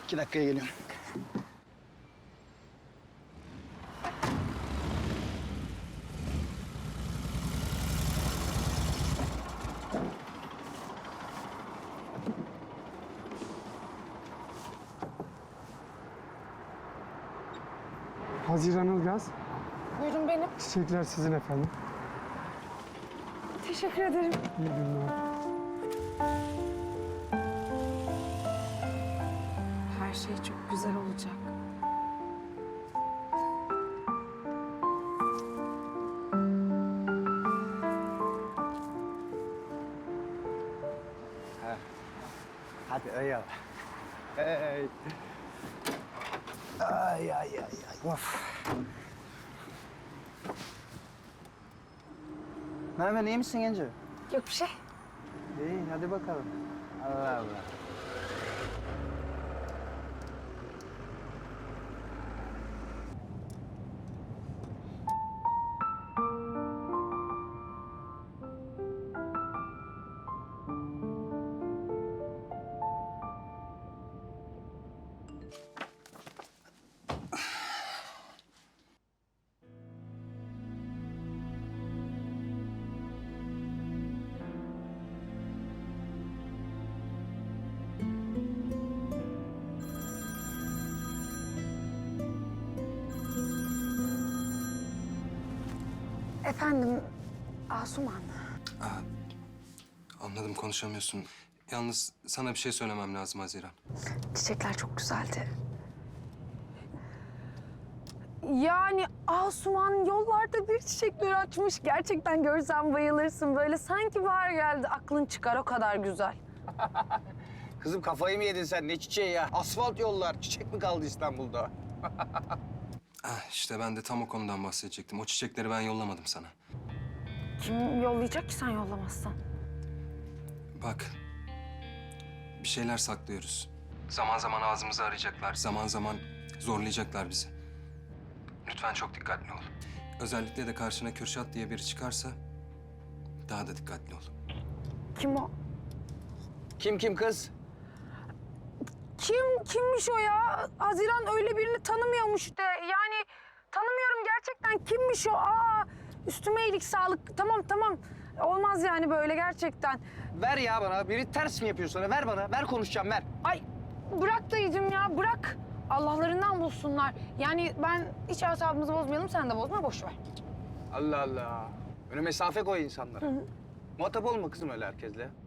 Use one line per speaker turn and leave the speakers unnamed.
2 dakikaya geliyorum.
Haziran Ilgaz,
Buyurun benim.
çiçekler sizin efendim.
Teşekkür ederim.
İyi günler.
Her şey çok güzel olacak.
Hadi eyvallah. Hey. Ay ay ay ay. Of. Merhaba, iyi misin Genco?
Yok bir şey.
İyi, hadi bakalım. Allah Allah.
Efendim, Asuman.
Anladım, konuşamıyorsun. Yalnız sana bir şey söylemem lazım Haziran.
Çiçekler çok güzeldi. Yani Asuman yollarda bir çiçekleri açmış. Gerçekten görsen bayılırsın. Böyle sanki bahar geldi. Aklın çıkar, o kadar güzel.
Kızım kafayı mı yedin sen? Ne çiçeği ya? Asfalt yollar. Çiçek mi kaldı İstanbul'da?
İşte ben de tam o konudan bahsedecektim. O çiçekleri ben yollamadım sana.
Kim yollayacak ki sen yollamazsan?
Bak, bir şeyler saklıyoruz. Zaman zaman ağzımızı arayacaklar, zaman zaman zorlayacaklar bizi. Lütfen çok dikkatli ol. Özellikle de karşına Kürşat diye biri çıkarsa daha da dikkatli ol.
Kim o?
Kim kız?
Kimmiş o ya? Haziran öyle birini tanımıyormuş de. Yani tanımıyorum gerçekten. Kimmiş o? Üstüme iyilik sağlık. Tamam. Olmaz yani böyle gerçekten.
Ver ya bana. Biri ters mi yapıyor sana? Ver bana. Ver konuşacağım, ver.
Ay bırak dayıcım ya, bırak. Allah'larından bulsunlar. Yani ben hiç asabımızı bozmayalım, sen de bozma, boş ver.
Allah Allah. Öyle mesafe koy insanlara. Muhatap olma kızım öyle herkesle.